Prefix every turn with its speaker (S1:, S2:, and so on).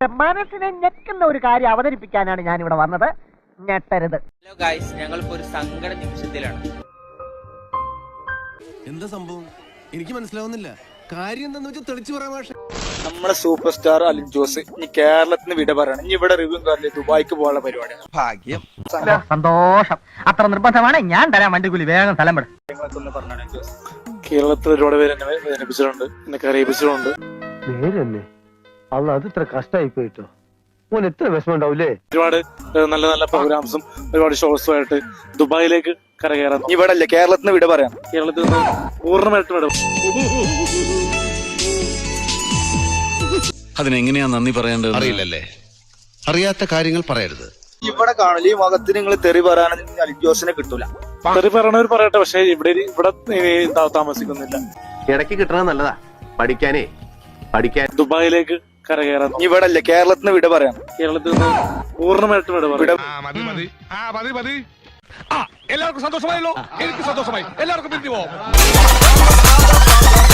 S1: മനസ്സിനെ ഞെക്കുന്ന ഒരു കാര്യം അവതരിപ്പിക്കാനാണ് ഞാൻ ഇവിടെ വന്നത്. ഞെട്ടരുത്.
S2: ഹലോ ഗൈസ്, ഞങ്ങളിപ്പോ ഒരു സങ്കട നിമിഷത്തിലാണ്.
S3: എന്താ സംഭവം എനിക്ക് മനസ്സിലാവുന്നില്ല. കാര്യം എന്താന്ന് വെച്ചാൽ തെളിച്ചു പറയാൻ ഭാഷ.
S4: നമ്മുടെ സൂപ്പർ സ്റ്റാർ അലിൻ ജോസ് ഇനി കേരളത്തിന് വിട പറയണം. ഇനി ഇവിടെ റിവ്യൂ കാറിൽ ദുബായിക്ക് പോകാനുള്ള പരിപാടിയാണ്.
S3: ഭാഗ്യം.
S1: സന്തോഷം. അത്ര നിർബന്ധമാണ്. ഞാൻ തരാം വണ്ടിക്കൂലി. വേഗം സ്ഥലം വിടും.
S4: കേരളത്തിൽ ഒരുപാട് പേര് എന്നെ വേദനിപ്പിച്ചിട്ടുണ്ട്, എന്നെ കരയിപ്പിച്ചിട്ടുണ്ട്.
S5: നേരന്നെ അല്ല, അത് ഇത്ര കഷ്ടമായി പോയിട്ടോ. ഓൻ എത്ര വിഷമം ഉണ്ടാവൂലേ.
S4: ഒരുപാട് നല്ല നല്ല പ്രോഗ്രാംസും ഒരുപാട് ഷോസും ആയിട്ട് ദുബായിലേക്ക് കരകയറാം.
S6: ഇവിടെ അല്ലേ കേരളത്തിന് വിട പറയാം.
S4: കേരളത്തിൽ നിന്ന് പൂർണ്ണമായിട്ടും വിടും.
S7: അതിനെങ്ങനെയാ നന്ദി പറയേണ്ടത്
S8: അറിയില്ലല്ലേ. അറിയാത്ത കാര്യങ്ങൾ പറയരുത്.
S6: ഇവിടെ കാണില്ല, ഈ മുഖത്തിന് നിങ്ങൾ തെറി പറയാനൊന്നും അലിൻ ജോസിനെ കിട്ടൂല.
S4: തെറി പറയണവർ പറയട്ടെ, പക്ഷെ ഇവിടെ താമസിക്കുന്നില്ല.
S5: ഇടയ്ക്ക് കിട്ടണത് നല്ലതാ. പഠിക്കാൻ
S4: ദുബായിലേക്ക് കരകയറാം.
S6: ഇവിടെ അല്ലേ കേരളത്തിന് വിട പറയാം.
S4: കേരളത്തിൽ നിന്ന് പൂർണ്ണമായിട്ടും വിട.
S3: എല്ലാവർക്കും സന്തോഷമായല്ലോ. എനിക്ക് സന്തോഷമായി. എല്ലാവർക്കും പിരിഞ്ഞു പോവാം.